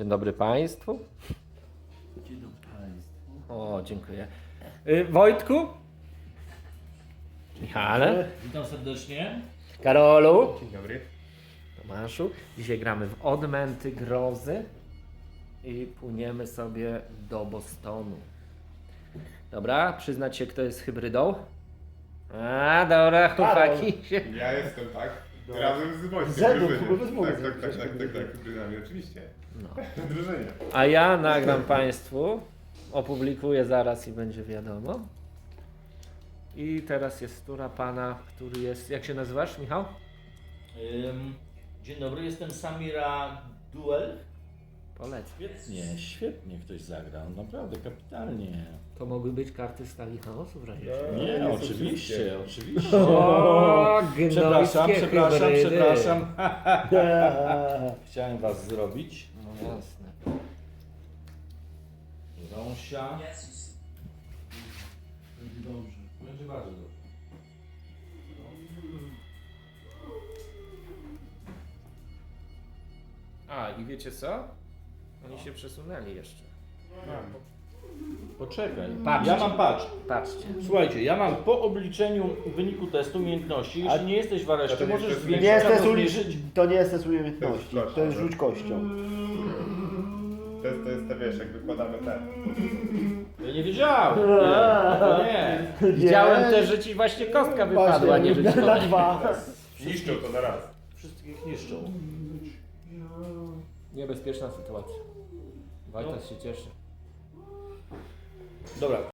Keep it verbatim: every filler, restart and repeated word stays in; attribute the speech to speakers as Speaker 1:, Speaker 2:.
Speaker 1: Dzień dobry Państwu.
Speaker 2: Dzień dobry Państwu.
Speaker 1: O, dziękuję. Y, Wojtku? Michale?
Speaker 2: Witam serdecznie.
Speaker 1: Karolu?
Speaker 3: Dzień dobry.
Speaker 1: Tomaszu? Dzisiaj gramy w Odmęty Grozy i płyniemy sobie do Bostonu. Dobra, przyznać się, kto jest hybrydą? A, dobra, chłopaki się...
Speaker 3: Ja jestem, tak? Razem z Wojtkiem.
Speaker 4: Zedną,
Speaker 3: drużynie.
Speaker 4: chyba bez mowy.
Speaker 3: Tak, tak, tak, tak, tak, tak, hybrydami, oczywiście.
Speaker 1: No.
Speaker 3: Drużynie.
Speaker 1: A ja nagram Państwu, opublikuję zaraz i będzie wiadomo. I teraz jest tura pana, który jest... Jak się nazywasz, Michał?
Speaker 2: Ym, dzień dobry, jestem Samira Duel.
Speaker 1: Polecam.
Speaker 2: Świetnie, świetnie ktoś zagrał, naprawdę kapitalnie.
Speaker 1: To mogły być karty stali chaosu w razie czego.
Speaker 3: No,
Speaker 2: Nie,
Speaker 3: nie są
Speaker 2: oczywiście,
Speaker 3: wszystkie.
Speaker 2: oczywiście.
Speaker 1: O,
Speaker 2: Przepraszam,
Speaker 1: gnojskie
Speaker 2: przepraszam,
Speaker 1: hybrydy.
Speaker 2: przepraszam. Chciałem was zrobić.
Speaker 1: No jasne.
Speaker 2: Rąsia. Będzie dobrze. Będzie bardzo dobrze.
Speaker 1: A, i wiecie co? Oni się przesunęli jeszcze.
Speaker 2: Poczekaj.
Speaker 1: Patrzcie.
Speaker 2: Ja mam patrz.
Speaker 1: Patrzcie.
Speaker 2: Słuchajcie, ja mam po obliczeniu wyniku testu umiejętności, jeśli
Speaker 4: A-
Speaker 2: nie jesteś w areszcie,
Speaker 3: to nie
Speaker 2: możesz
Speaker 3: jest-
Speaker 2: zwiększyć
Speaker 4: Nie jest
Speaker 2: albo
Speaker 4: test
Speaker 2: zmniejszyć.
Speaker 4: uliczny, to nie jest test umiejętności,
Speaker 3: To jest
Speaker 4: to jest
Speaker 3: flash,
Speaker 4: rzuć kością.
Speaker 3: To jest, to jest to, wiesz, jak wykładamy ten.
Speaker 2: Ja nie wiedziałem. Nie, to nie.
Speaker 1: Widziałem też, że ci właśnie kostka wypadła, nie że ci
Speaker 4: na
Speaker 1: to...
Speaker 4: dwa.
Speaker 3: Niszczą to na raz.
Speaker 2: Wszystkich niszczą.
Speaker 1: Niebezpieczna sytuacja. Wojtas się cieszy.
Speaker 2: Dobra.